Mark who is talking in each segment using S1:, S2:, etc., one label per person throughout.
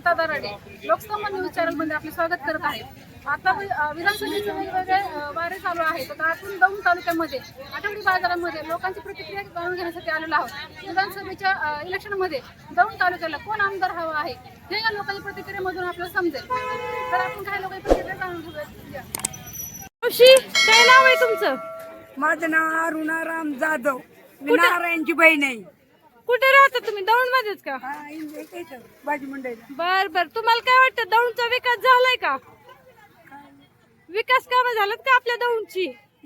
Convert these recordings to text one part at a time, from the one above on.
S1: Gita Darade Lok Sabha news channel मध्ये आपले स्वागत करत आहे। आता विधानसभेचे वेगवेगळे वारे चालू आहेत। तर आपण दौंड तालुक्यामध्ये आठवडी बाजारामध्ये लोकांची प्रतिक्रिया जाणून घेण्यासाठी आलेलो आहोत। विधानसभेच्या इलेक्शन मध्ये दौंड तालुक्याला कोण आमदार हवा आहे हे या लोकांच्या प्रतिक्रियेमधून आपल्याला समजेल। तर आपण काही लोकांची प्रतिक्रिया जाणून घेऊया।
S2: मावशी, काय नाव आहे तुमचं?
S3: माझं नाव अरुणाराम जाधव, मी नारायणची बहीण आहे।
S2: कुठे राहता तुम्ही? दौंड मध्येच का?
S3: भाजी मंडईला।
S2: बर बर, तुम्हाला काय वाटतं दौंडचा विकास झालाय का? विकास कामं झालं का आपल्या दौंडची?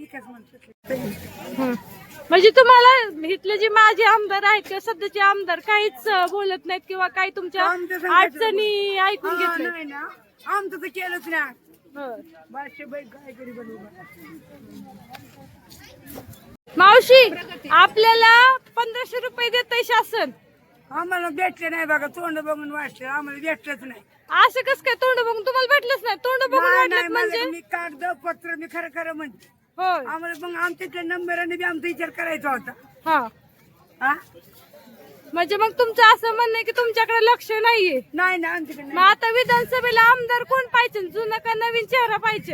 S2: म्हणजे तुम्हाला इथले जे माजी आमदार आहेत किंवा सध्याचे आमदार काहीच बोलत नाहीत किंवा काही तुमच्या अडचणी ऐकून घेत
S3: नाही ना, आमचं तर केलंच ना।
S2: मावशी, आपल्याला 1500 रुपये देतंय शासन,
S3: आम्हाला भेटले नाही बघा। तोंड बघून वाटलं, आम्हाला भेटलंच नाही।
S2: असं कस काय? तोंड बघून तुम्हाला भेटलंच नाही? तोंड बघून वाटलं म्हणजे
S3: मी कागद पत्र मी खरं खरं म्हणते।
S2: होय,
S3: आम्हाला मग आमच्या नंबराने बी आमचा विचार करायचा होता।
S2: हा, म्हणजे मग तुमचं असं म्हणणं आहे की तुमच्याकडे लक्ष नाहीये?
S3: नाही ना, आमच्याकडे
S2: मग आता विधानसभेला आमदार कोण पाहिजे? जुना का नवीन चेहरा पाहिजे?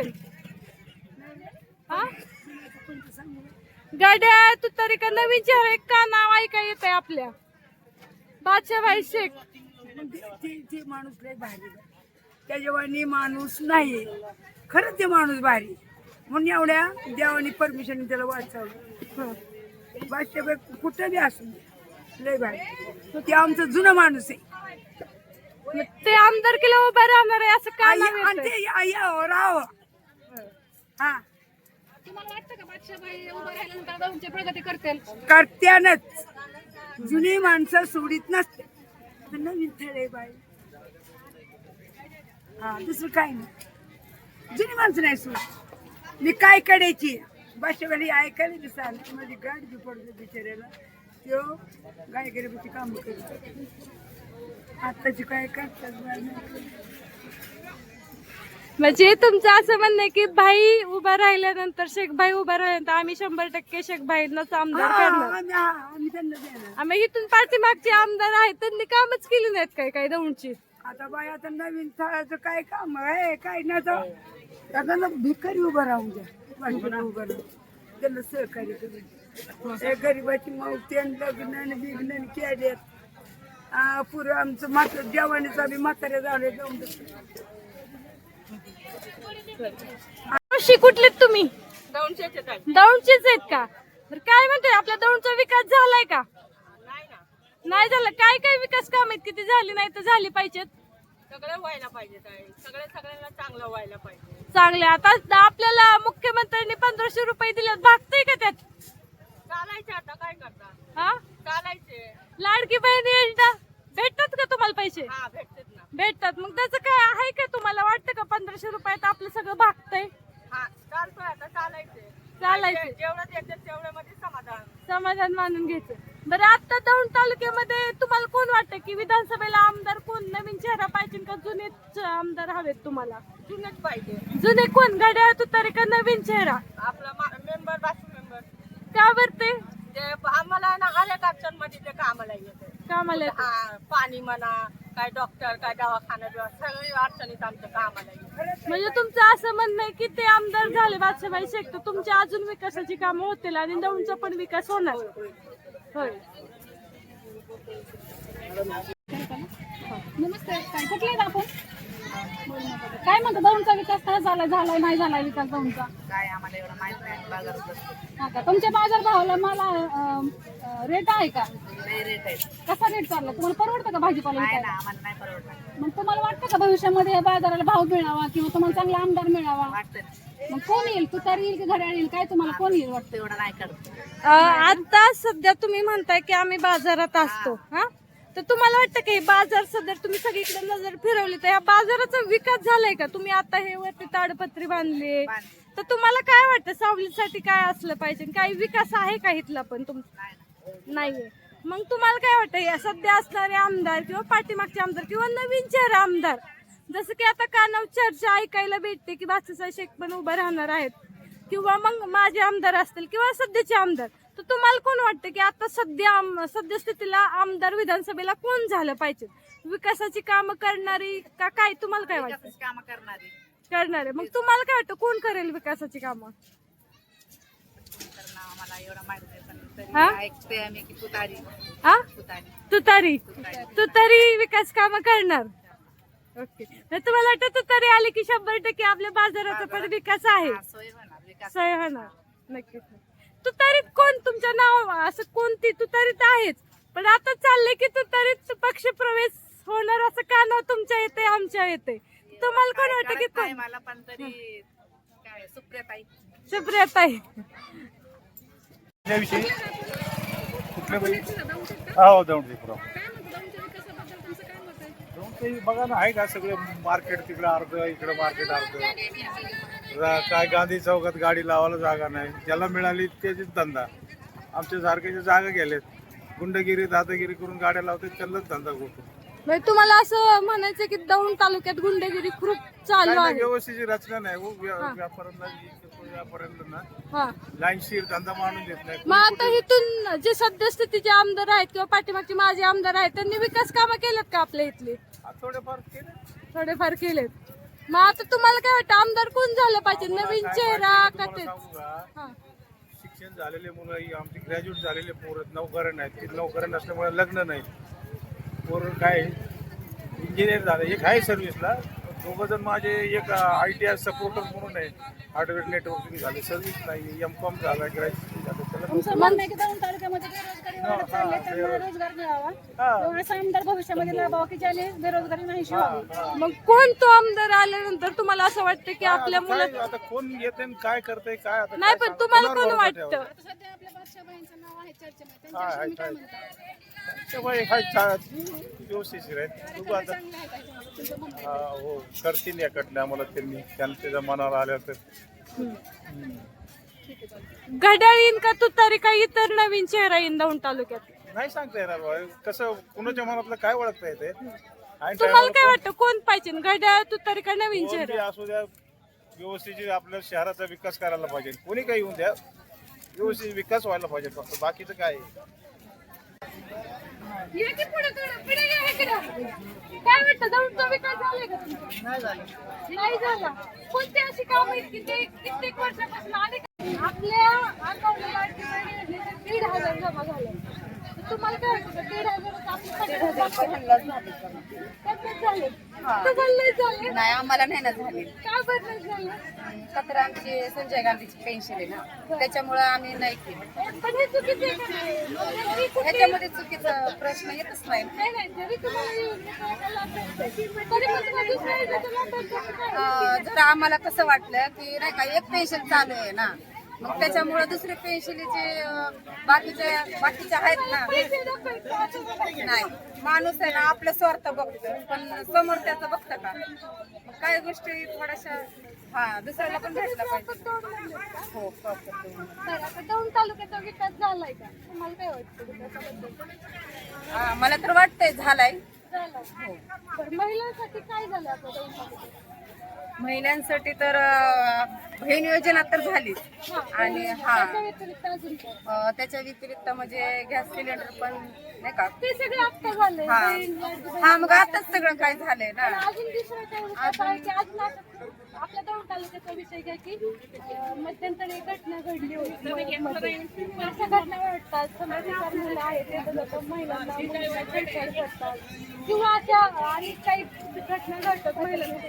S2: गाड्या तुतारी का नवीन चेहरा? एक का नाव ऐका येत आहे आपल्या बादशाहभाई शेख?
S3: ते माणूस लय भारी, त्याच्यावानी माणूस नाही। खरंच ते माणूस भारी, म्हणून एवढ्या देवानी परमिशन त्याला वाचवलं। बादशाहबाई कुठं बी असू लय भारी, ते आमचं जुनं माणूस आहे।
S2: ते आमदार केलं उभं राहणार आहे असं का नाव येतंय?
S3: राहावं। हा,
S1: तुम्हाला वाटतं का बादशाहबाई उभं राहिल्यानंतर दौंडची प्रगती करतील?
S3: करत्यानच, जुनी माणसं सोडित नसते। नवीन थळे बाई, हा, दुसरं काय नाही। जुनी माणसं नाही सोड। मी काय करायची बादशाहबाई ऐकायला दिसाल, माझी गाडी बी पडते बिचाऱ्याला, तो गाय गरिबाची काम करतो। आताची काय करतात?
S2: म्हणजे तुमचं असं म्हणणं आहे की भाई उभा राहिल्यानंतर, शेख भाई उभा राहिल्यानंतर आम्ही 100% शेख भाईंनाच आमदार करणार?
S3: आम्ही त्यांना देणार।
S2: आम्ही इथून पाठीमागचे आमदार आहेत त्यांनी कामच केली नाहीत काय दौंडची?
S3: आता बाई, आता नवीन थळाचं काय काम आहे? काय नाही तर आता भिकारी उभं राहून द्या, उभं राहून त्यांना सहकार्य करून। गरीबाची मौत लग्न बिग्न केल्यात। पुरं आमचं मात्र जेवणीचा बी म्हातारे झाले जाऊन।
S2: कुठलेत तुम्ही? दौंडचेच आहेत का? बरं, काय म्हणतोय आपल्या दौंडचा विकास झालाय का? नाही झालं? काय काय विकास काम आहेत किती झाली नाही तर झाली पाहिजेत?
S4: सगळं व्हायला पाहिजे, सगळ्यांना चांगलं व्हायला पाहिजे।
S2: चांगले, आता आपल्याला मुख्यमंत्र्यांनी 1500 रुपये दिलेत, भागतंय का त्यात?
S4: चालायचे, आता काय करता?
S2: हा,
S4: चालायचे।
S2: लाडकी बहीण योजना भेटतात का तुम्हाला पैसे?
S4: हा, भेटतात ना।
S2: भेटतात, मग त्याचं काय आहे का? तुम्हाला वाटतं का 1500 रुपयात आपलं सगळं भागतंय?
S4: हा, चालतोय, आता चालायचे। जेवढं देतात तेवढ्यामध्ये
S2: समाधान मानून घ्यायचं। बरं, आता दौंड तालुक्यामध्ये तुम्हाला कोण वाटतं की विधानसभेला आमदार कोण? नवीन चेहरा पाहिजे का जुनेच आमदार हवेत तुम्हाला?
S4: जुनेच पाहिजे।
S2: जुने कोण? गाड्या तुतारी का नवीन चेहरा?
S4: आपला मेंबर, बाकी मेंबर।
S2: का बरं? ते
S4: आम्हाला ना हर एक अडचण मध्ये ते कामाला येते।
S2: कामाला
S4: हा, पाणी म्हणा, काय डॉक्टर, काय दवाखाना, सगळी अडचणीत आमच्या कामाला येते।
S2: म्हणजे तुमचं असं म्हणणं आहे की ते आमदार झाले बादशाहभाई शेख तर तुमच्या अजून विकासाची कामं होतील आणि दौंडचा पण विकास होणार? होय।
S1: नमस्ते, काय कुठले आहेत आपण? काय म्हणतो दौंडचा विकास काय झालाय नाही झालाय विकास दौंडचा?
S4: काय आम्हाला एवढं माहित नाही, बाजारात बसतो।
S1: हा का, तुमच्या बाजार भावाला मला रेट आहे का?
S4: नाही, रेट आहे।
S1: कसा रेट चालला? तुम्हाला परवडतं का भाजीपाला विकायला?
S4: आम्हाला नाही परवडत।
S1: मग तुम्हाला वाटतं का भविष्यामध्ये या बाजाराला भाव मिळावा किंवा तुम्हाला चांगला आमदार मिळावा? मग कोण येईल? तुतारी येईल की घड्याळ येईल? काय तुम्हाला कोण येईल वाटतं?
S4: एवढं नाही करत।
S2: आता सध्या तुम्ही म्हणताय की आम्ही बाजारात असतो, हा, तर तुम्हाला वाटतं की बाजार सध्या तुम्ही सगळीकडे नजर फिरवली तर या बाजाराचा विकास झालाय का? तुम्ही आता हे वरती ताडपत्री बांधले तर तुम्हाला काय वाटतं सावलीसाठी काय असलं पाहिजे? काही विकास आहे का इथला? पण नाहीये। मग तुम्हाला काय वाटतं या सध्या असणारे आमदार किंवा पाठीमागचे आमदार किंवा नवीन चेहरा आमदार, जसं की आता कानावर चर्चा ऐकायला भेटते की बादशाहभाई शेख पण उभं राहणार आहेत किंवा मग माझे आमदार असतील किंवा सध्याचे आमदार, तर तुम्हाला कोण वाटतं की आता सद्यस्थितीला आमदार विधानसभेला कोण झालं पाहिजे? विकासाची कामं करणारी का काय? तुम्हाला काय वाटतं?
S5: काम करणारे
S2: करणारे. मग तुम्हाला काय वाटतं कोण करेल विकासाची कामं?
S5: करणं आम्हाला एवढं माहित नाही, पण
S2: हा?
S5: तरी ऐकते आम्ही की तुतारी
S2: हा?
S5: तुतारी
S2: तुतारी विकास कामं करणार. ओके. तर तुम्हाला वाटतं तुतारी आली की 100% आपल्या बाजाराचा पण विकास आहे,
S5: हा, सोय होणार विकास
S2: सोय होणार. नक्कीच. तुतारीत कोण तुमचं नाव असं कोणती? तुतारीत आहेच, पण आता चाललंय की तुतारीत पक्ष प्रवेश होणार असं का नाव तुमच्या येते आमच्या येते? तुम्हाला कोण वाटतं की
S5: कळत नाही
S2: कोण?
S5: मला, पण तरी काय सुप्रियाताई
S2: सुप्रियाताई.
S6: त्याविषयी कुठल्या हो दौंडपुरा बघा ना, आहे का सगळे मार्केट तिकडे अर्ध, इकडे मार्केट अर्ध. काय गांधी चौकात गाडी लावायला जागा नाही, ज्याला मिळाली त्याचीच धंदा. आमच्या सारख्याच्या जागा गेलेत, गुंडगिरी दादागिरी करून गाड्या लावतात, त्यालाच धंदा करतो.
S2: म्हणजे तुम्हाला असं म्हणायचं की दौंड तालुक्यात गुंडगिरी खूप चालू आहे?
S6: व्यवस्थित रचना नाही हो, व्यापाऱ्यांना
S2: हा.
S6: लाईनशीर धंदा मानून देत नाही.
S2: मग आता इथून जे सद्यस्थितीचे आमदार आहेत किंवा पाठीमागचे माजी आमदार आहेत त्यांनी विकास कामं केलेत का आपल्या इथली?
S6: थोडेफार केले.
S2: थोडेफार केलेत. मग आता तुम्हाला काय वाटतं आमदार कोण झालं पाहिजे? नवीन चेहरा का तेच? हा.
S6: शिक्षण झालेले मुलं, ही आमची ग्रॅज्युएट झालेले पोरं, नोकऱ्या नाहीत. ती नोकऱ्या नसल्यामुळे लग्न नाही. पोरं काय इंजिनियर झाले, एक आहे सर्व्हिसला, दोघं जण माझे. एक ITI सपोर्टर म्हणून आहे, हार्डवेअर नेटवर्किंग झाले, सर्व्हिस नाही. M.Com झाला, ग्रॅज्युएशन झालं.
S1: तुमचं म्हणणं आहे की दौंड तालुक्यामध्ये बेरोजगारी वाढत चालली आहे, त्यामुळे रोजगार मिळावा किंवा असा आमदार भविष्यामध्ये लाभावा की ज्याने बेरोजगारी नाहीशी व्हावी.
S2: मग कोण तो आमदार आल्यानंतर तुम्हाला असं वाटतं की आपल्या मुलं?
S6: आता कोण येते आणि काय करते काय आता
S2: नाही,
S6: काय
S2: पण तुम्हाला
S6: कोणावर
S2: कोण
S6: भरोसा
S2: वाटतं?
S6: ठेवावा?
S1: आता सध्या आपल्या बादशाहबाईंचं नाव आहे चर्चेमध्ये, त्यांच्याविषयी तुम्ही काय म्हणता?
S6: त्यामुळे व्यवस्थित आहेत. बघू आता.
S1: चांगलं आहे का तुमचं म्हणणं आहे?
S6: हो, करतील याकडले आम्हाला त्यांनी त्याच्या मनावर आल्या तर.
S2: घड्याळ येईन का तुतारी का इतर नवीन चेहरा येईन दौंड तालुक्यात?
S6: नाही सांगता येणार बा. कसं कुणाच्या मनातलं काय ओळखता येते.
S2: तुम्हाला काय वाटतं कोण पाहिजे? घड्याळ, तुतारी का नवीन चेहरा?
S6: असू द्या, व्यवस्थित आपल्या शहराचा विकास करायला पाहिजे. कोणी काही येऊन द्या, व्यवस्थित विकास व्हायला पाहिजे. फक्त बाकीचं काय आहे?
S2: ये की पुढे थोडं, पुढे या इकडं. काय वाटतं दौंडचा विकास झालाय का तुमचा? नाही झाला. कोणती अशी कामं आहेत की ते कित्येक वर्षापासून आले का? आपल्या अकाउंटला लाडकी बहीण योजनेचे 1,500 जमा झाले. तर तुम्हाला काय वाटतं 1,500 झाले? झाले
S5: नाही आम्हाला नाही ना झाले.
S2: का बरं नाही झालं?
S5: तर आमची संजय गांधीची पेन्शन आहे ना, त्याच्यामुळे आम्ही नाही केलं.
S2: पण हे चुकीचं आहे का नाही? जरी कुठे-
S5: ह्याच्यामध्ये चुकीचा प्रश्न येतच नाही.
S2: नाही, नाही, जरी तुम्हाला योजनेचा लाभ भेटतोय, तरी पण तुम्हाला दुसऱ्या योजनेचा लाभ भेटतो का काय?
S5: जर आम्हाला कसं वाटलं की नाही का एक पेन्शन चालू आहे ना, मग त्याच्यामुळे दुसरे पेन्शनचे बाकीचे आहेत ना.
S2: पैसे नको का असं झालं?
S5: नाही, माणूस आहे ना आपलं स्वार्थ बघतो, पण समोर त्याचं बघतं का? मग काही गोष्टी थोड्याशा दुसऱ्याला पण भेटला पाहिजे. हो, proper दोन.
S2: तर आता दौंड तालुक्याचा विकास झालाय का? तुम्हाला काय वाटतं विकासाबद्दल?
S5: मला तर वाटतंय झालाय.
S2: झालाय. तर महिलांसाठी काय झालं आता दौंड तालुक्यात?
S5: महिलांसाठी तर बहीण योजना तर झालीच. आणि
S2: त्याच्या व्यतिरिक्त अजून काय?
S5: त्याच्या व्यतिरिक्त म्हणजे गॅस सिलेंडर पण नाही का.
S2: ते सगळे आता झालंय.
S5: हा.
S2: बहीण, लाडकी बहीण.
S5: मग आताच सगळं काय झालंय ना.
S2: पण अजून दुसरं काय विकास आहे की अजून असं आपल्या दौंड तालुक्याचा विषय घ्या की मध्यंतरी एक घटना घडली होती मध्ये. अशा घटना घडतात, समाजातील मुलं आहेत ते लोक महिलांना छेडछाड करतात किंवा अशा अनेक काही घटना घडतात महिलांमध्ये.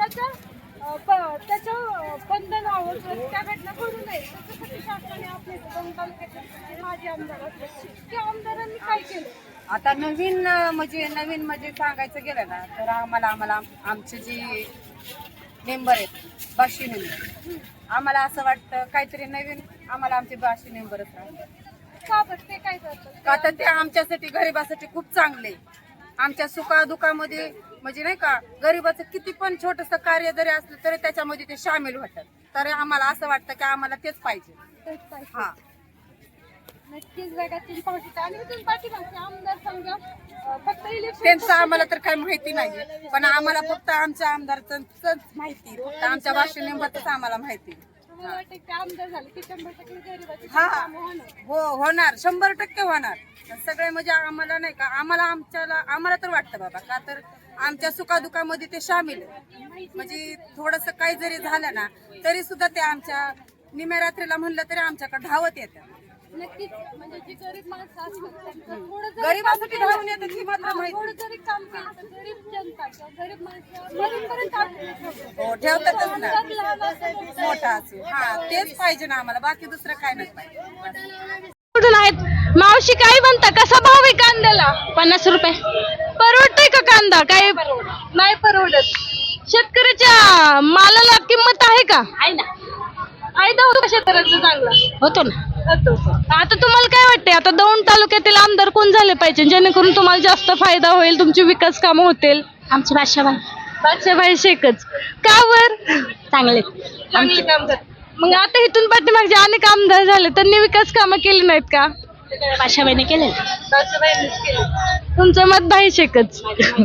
S2: त्याचं बंधन व्हावं, त्या घटना घडू नये त्याच्यासाठी शासनाने आपले दौंड तालुक्याचे माजी आमदार असले त्या आमदारांनी काय केलं?
S5: आता नवीन म्हणजे सांगायचं गेलं ना तर आम्हाला आमचे जे मेंबर आहेत बाशी मेंबर, आम्हाला असं वाटतं काहीतरी नवीन आम्हाला आमचे बाशी मेंबरच राहतात.
S2: का बरं ते काय करतात?
S5: का तर ते आमच्यासाठी गरिबासाठी खूप चांगले. आमच्या सुखादुखामध्ये म्हणजे नाही का, गरिबाचं किती पण छोटंसं कार्य जरी असलं तरी त्याच्यामध्ये ते सामील होतात. तर आम्हाला असं वाटतं की आम्हाला तेच पाहिजे.
S2: तेच पाहिजे.
S5: हा,
S2: नक्कीच जगातील पावसाचा आणि इथून पाठीमागचे आमदार समजा फक्त इलेक्शन
S5: त्यांचं आम्हाला तर काही माहिती नाही, पण आम्हाला फक्त आमच्या आमदारच माहिती, फक्त आमच्या बाशी मेंबरच आम्हाला माहिती.
S2: तुम्हाला वाटतं की आमदार झाले की 100% गरिबाची
S5: हा.
S2: कामं होणार?
S5: हो होणार, 100% होणार. सगळे म्हणजे आम्हाला नाही का, आम्हाला तर वाटतं बाबा, का तर आमच्या सुखादुखामध्ये ते सामील आहे. म्हणजे थोडस काही जरी झालं ना तरी सुद्धा ते आमच्या निम्या रात्रीला म्हणलं तरी आमच्याकडे धावत येतात.
S2: नक्कीच म्हणजे जी गरीब माणसं असतात त्यांचं थोडं जरी
S5: गरिबासाठी
S2: काम
S5: धावून
S2: केलं,
S5: येतात ही मात्र माहिती.
S2: थोडं जरी काम केलं तर गरीब जनता किंवा गरीब माणसं मरेपर्यंत आपल्याला ठेवतात.
S5: हो, ठेवतातच ना,
S2: आमदार लहान असेल, मोठा
S5: मोठा असेल. हा, तेच पाहिजे ना आम्हाला, बाकी दुसरं काय नाही पाहिजे.
S2: कुठून आहेत मावशी? काय म्हणता, कसा भाव आहे कांद्याला?
S7: 50 रुपये.
S2: परवडतंय का कांदा? काय नाही परवडत. शेतकऱ्याच्या मालाला किंमत आहे का?
S7: आहे ना,
S2: फायदा होतो का शेतकऱ्याचा चांगला?
S7: होतो ना.
S2: होतो. आता तुम्हाला काय वाटतंय, आता दौंड तालुक्यातील आमदार कोण झाले पाहिजे जेणेकरून तुम्हाला जास्त फायदा होईल, तुमची विकास कामं होतील?
S7: आमची बादशाबाई
S2: बादशाबाई शेखच. का बर?
S7: चांगले.
S2: चांगले काम करतात. मग आता इथून पाठीमागचे अनेक आमदार झाले, त्यांनी विकास कामं केली नाहीत का?
S7: बादशाबाईने केले.
S2: बादशाबाईंनीच केली. तुमचं मत भाई शेखच.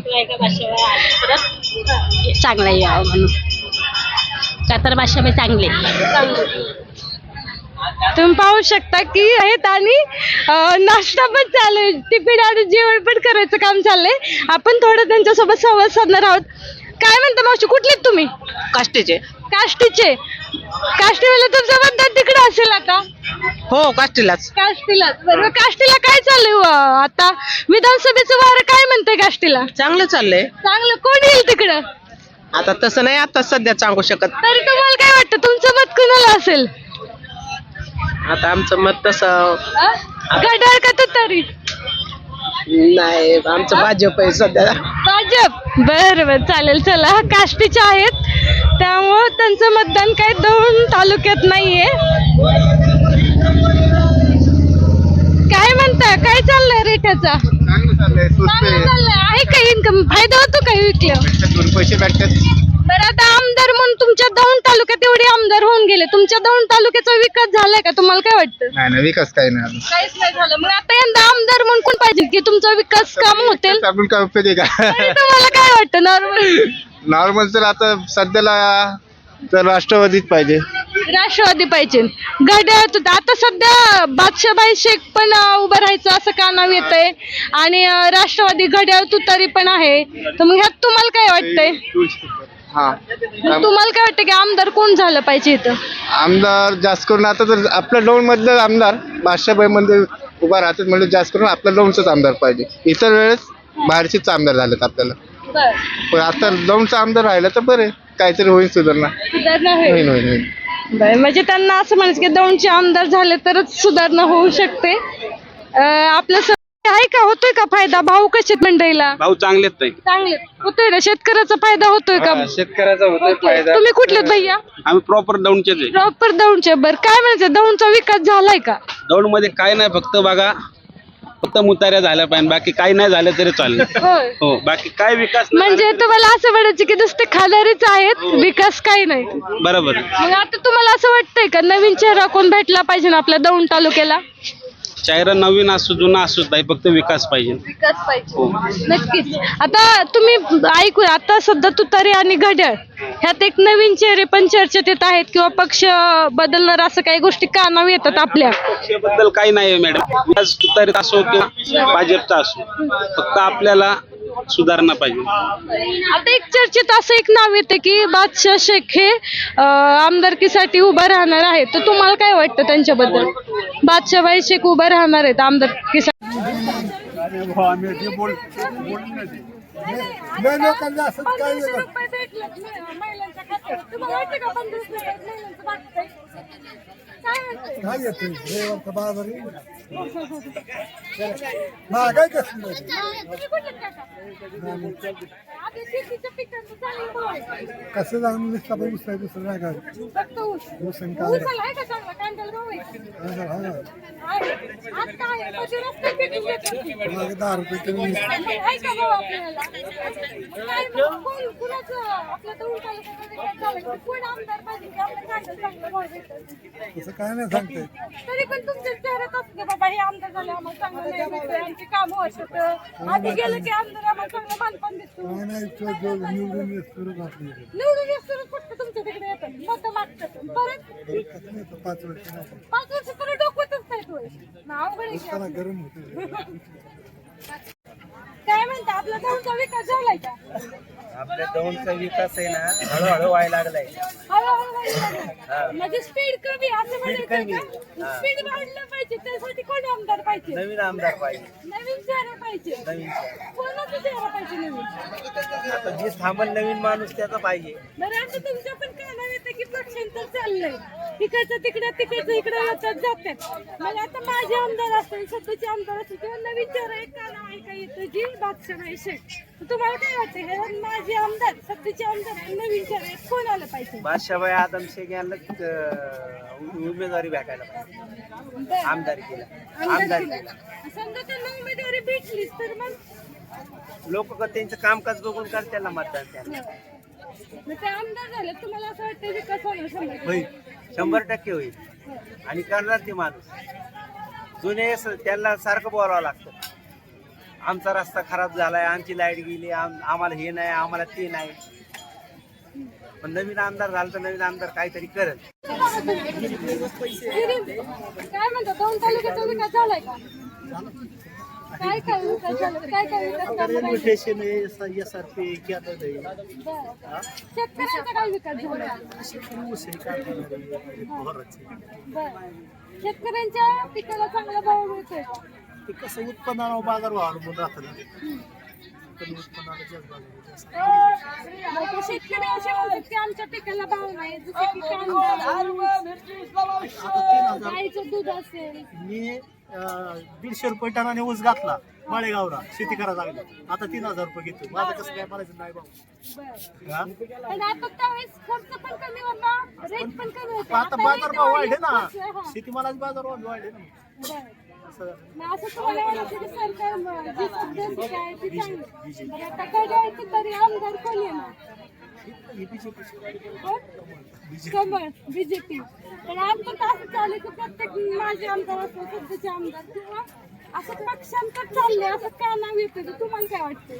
S7: चांगला यावं म्हणून का तर बादशाबाई चांगले.
S2: तुम्ही पाहू शकता की आहेत आणि नाश्ता पण चालू आहे, टिफिन आणि जेवण पण करायचं काम चाललंय. आपण थोडं त्यांच्यासोबत संवाद साधणार आहोत. काय म्हणता मावशी, कुठले तुम्ही?
S8: काष्टीचे.
S2: काष्टीचे. काष्टीवाला तुमचं मतदान तिकडे असेल आता?
S8: हो, काष्टीलाच.
S2: काष्टीलाच. बरोबर. काष्टीला काय चाललंय आता? विधानसभेचं वारं काय म्हणतंय काष्टीला?
S8: चांगलं चाललंय.
S2: चांगलं. कोण येईल तिकडं?
S8: आता तसं नाही, आता सध्या सांगू शकत.
S2: तरी तुम्हाला काय वाटतं, तुमचं मत कुणाला असेल?
S8: आता आमचं मत तसं
S2: घड्याळ का तुतारी?
S8: नाही, आमचं भाजप आहे सध्या.
S2: भाजप. बरं बरं, चालेल. चला, काष्टीचे आहेत त्यामुळं त्यांचं मतदान काय दौंड तालुक्यात नाहीये. काय म्हणता, काय चाललंय रेट्याचा? चांगलं चाललंय. आहे का इन्कम? फायदा होतो का विकलं?
S6: पैसे भेटतात.
S2: बरं, आता आमदार म्हणून तुमच्या दौंड तालुक्यात एवढे आमदार होऊन गेले, तुमच्या दौंड तालुक्याचा विकास झालाय का? तुम्हाला काय वाटतं?
S6: नाही विकास काही नाही.
S2: काहीच नाही झालं. मग आता यंदा आमदार म्हणून कोण पाहिजे की तुमचा विकास काम होतील?
S6: आपण काय उपयोग आहे का?
S2: तरी तुम्हाला काय वाटतं नॉर्मल?
S6: नॉर्मल तर आता सध्याला तर राष्ट्रवादीत पाहिजे.
S2: राष्ट्रवादी पाहिजे. घड्याळ आता सध्या बादशाबाई शेख पण उभं राहायचं असं का नाव येतंय आणि राष्ट्रवादी घड्याळ तुतारी पण आहे, तर मग ह्यात तुम्हाला काय वाटतंय?
S6: हा,
S2: तुम्हाला काय वाटतं की आमदार कोण झालं पाहिजे इथं?
S6: आमदार जास्त करून आता तर आपल्या दौंड मधलं आमदार बादशाबाई मध्ये उभा राहतात, म्हणजे जास्त करून आपल्या दौंडचाच आमदार पाहिजे. इतर वेळेस बाहेरचेच आमदार झालेत आपल्याला, पण आता दौंडचा आमदार राहिला तर बरे, काहीतरी होईल सुधारणा.
S2: सुधारणा होईल.
S6: होईल.
S2: बरं, म्हणजे त्यांना असं म्हणायचं की दौंडचे आमदार झाले तरच सुधारणा होऊ शकते. आपलं आहे का, होतोय का फायदा? भाऊ कसे मंडईला?
S9: भाऊ चांगलेच नाही.
S2: चांगले होतोय ना? शेतकऱ्याचा फायदा होतोय का?
S9: शेतकऱ्याचा होतोय फायदा.
S2: तुम्ही कुठले भैया?
S9: आम्ही प्रॉपर दौंडचेच आहे.
S2: प्रॉपर दौंडचे. बरं, काय म्हणायचं, दौंडचा विकास झालाय का?
S9: दौंड मध्ये काय नाही, फक्त बघा, फक्त मुताऱ्या झाल्या पाहिजे, बाकी काही नाही झालं तरी चालेल.
S2: होय.
S9: हो, बाकी काय विकास नाही
S2: म्हणजे तुम्हाला असं वाटायचं की नुसते खादारीच आहेत, विकास काही नाही?
S9: झाला. बरोबर.
S2: मग आता तुम्हाला असं वाटतंय का नवीन चेहरा कोण भेटला पाहिजे ना आपल्या दौंड तालुक्याला?
S9: चेहरा नवीन असू जुना असू नाही, फक्त विकास पाहिजे.
S2: विकास पाहिजे. नक्कीच. आता तुम्ही ऐकू, आता सध्या तुतारी आणि घड्याळ ह्यात एक नवीन चेहरे पण चर्चेत येत आहेत किंवा पक्ष बदलणार असं काही गोष्टी कानावर येतात आपल्या?
S9: पक्षाबद्दल काही नाही मॅडम, तुतारीत असो किंवा भाजपचा असो, फक्त आपल्याला सुधारणा पाहिजे.
S2: आता एक चर्चेत असं एक नाव येते की बादशाह शेख हे आमदारकीसाठी उभं राहणार आहेत, तर तुम्हाला काय वाटतं त्यांच्याबद्दल? बादशाहबाई शेख उभं राहणार आहेत आमदारकीसाठी?
S10: काय येते महागाई कसं कसं जाऊन दुसरं नाही काय तसं काय नाही सांगते.
S2: तरी पण तुमच्या चेहऱ्यात असते बाबा हे आमदार झाले आम्हाला चांगलं नाही भेटतंय, आमची कामं होत आधी गेलं की आमदार आम्हाला चांगलं मानपान दिसतो.
S10: काय नाही निवडून
S2: निवडून येत फक्त तुमच्या तिकडे येतात मत मागतात परत
S10: 5 वर्ष नाही
S2: 5 वर्ष परत डोकवतच नाहीत होय अवघड आहे की.
S10: त्याला गरम होते
S2: काय म्हणता आपला गावचा विकास झालाय का
S8: आपल्या दौंडचा विकास आहे ना हळूहळू व्हायला लागलाय.
S2: हळूहळू व्हायला लागलाय. म्हणजे स्पीड कमी असं म्हणायचं का स्पीड वाढलं पाहिजे त्यासाठी कोण आमदार पाहिजे
S8: नवीन आमदार पाहिजे,
S2: नवीन चेहरा पाहिजे
S8: नवीन चेहरा.
S2: कोणाचा चेहरा पाहिजे नवीन
S8: आता जे थांबल नवीन माणूस त्याचा पाहिजे.
S2: बरं आता तुमच्या पण कानावर येतं की पक्षांतर चाललंय तिकडचं तिकडं इकडं येतात जातात मग आता माझे आमदार असतील सध्याचे आमदार असतील किंवा नवीन चेहरा एक कानावर ऐका येतं जी बादशाबाई शेख तुम्हाला काय वाटतं हे माझे आमदार सध्याचे आमदार आणि नवीन चेहरा कोण आलं पाहिजे
S8: बादशाबाई आदम शेख यांना उमेदवारी भेटायला पाहिजे. आमदार केला
S2: समजा त्यांना उमेदवारी भेटलीच तर मग
S8: लोक त्यांचं कामकाज बघून करतात ना मतदान त्यांना.
S2: मग ते आमदार झाले तुम्हाला असं वाटतं विकास होणार
S8: होईल 100% होईल आणि करणार ते माणूस. जुने त्यांना सारखं बोलावं लागतं आमचा रस्ता खराब झालाय आमची लाईट गेली आम्हाला हे नाही आम्हाला ते नाही. पण नवीन आमदार झाला तर नवीन आमदार काहीतरी करत.
S2: काय म्हणतो दोन तालुक्याचा विकास झालाय का काय काय विकास झाला काय काय विकास झाला पाहिजे? बरं. शेतकऱ्यांचा काय विकास झाला बरं. शेतकऱ्यांच्या पिकाला चांगला भाव मिळतोय का?
S10: ते कसं उत्पन्नावर बाजार भाव अवलंबून राहतं ना कमी उत्पन्नाला जास्त बाजार जास्त.
S2: मग ते शेतकरी असे म्हणतात की आमच्या पिकाला भाव नाही जसं की कांदा, गाईचं दूध असेल
S10: मी 150 रुपये टनाने ऊस घातला माळेगावला शेती करायला लागला आता 3000 रुपये घेतो माझं कसं काय म्हणायचं नाही भाऊ.
S2: बरं. पण आता त्यावेळेस खर्च पण कमी होता रेट पण कमी होता
S10: आता बाजार भाव वाढले ना
S2: हा.
S10: शेतीमालाचे बाजार भाव वाढले ना
S2: बरं.
S10: असं
S2: मग असं तुम्हाला वाटतं की सरकार जी सध्याची आहे ती चांगली बरं, आता घड्याळची तरी आमदार कोण येणार कमळ बीजेपी पण आता तर असं चालू की प्रत्येक माझे आमदार असो सध्याचे आमदार किंवा असं पक्षांतर चाललंय असं का नाव येतं की तुम्हाला काय वाटतंय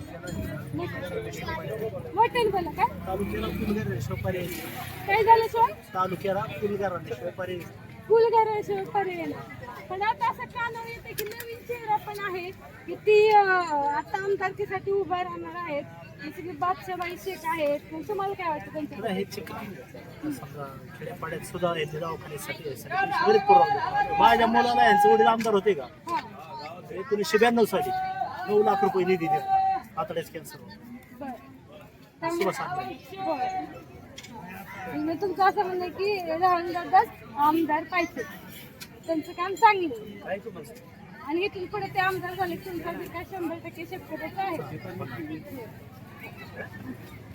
S2: वाटेल बोला काय
S10: तालुक्याला फुलगार पर्याय
S2: काय झालं सर
S10: तालुक्याला फुलगार पर्याय
S2: फुलघराशिवाय पर्याय नाही. पण आता असं कानावर येतं की नवीन चेहरा पण आहे की ती आता आमदारकीसाठी उभा राहणार आहेत जसं की बादशाबाई शेख आहेत पण तुम्हाला काय वाटतं त्यांच्या
S10: हे समजा खेड्यापाड्यात सुद्धा येते दवाखान्यासाठी बरेच पुरवठा माझ्या मुलाला यांचे वडील आमदार होते का 1992 साली 9 लाख रुपये निधी दिला आतड्याच कॅन्सर
S2: मी तुमचं असं म्हणणं की राहुलदादाच आमदार पाहिजे त्यांचं काम चांगलं आणि इथून पुढे ते आमदार झाले तुमचा विकास 100% शेतकऱ्याचा आहे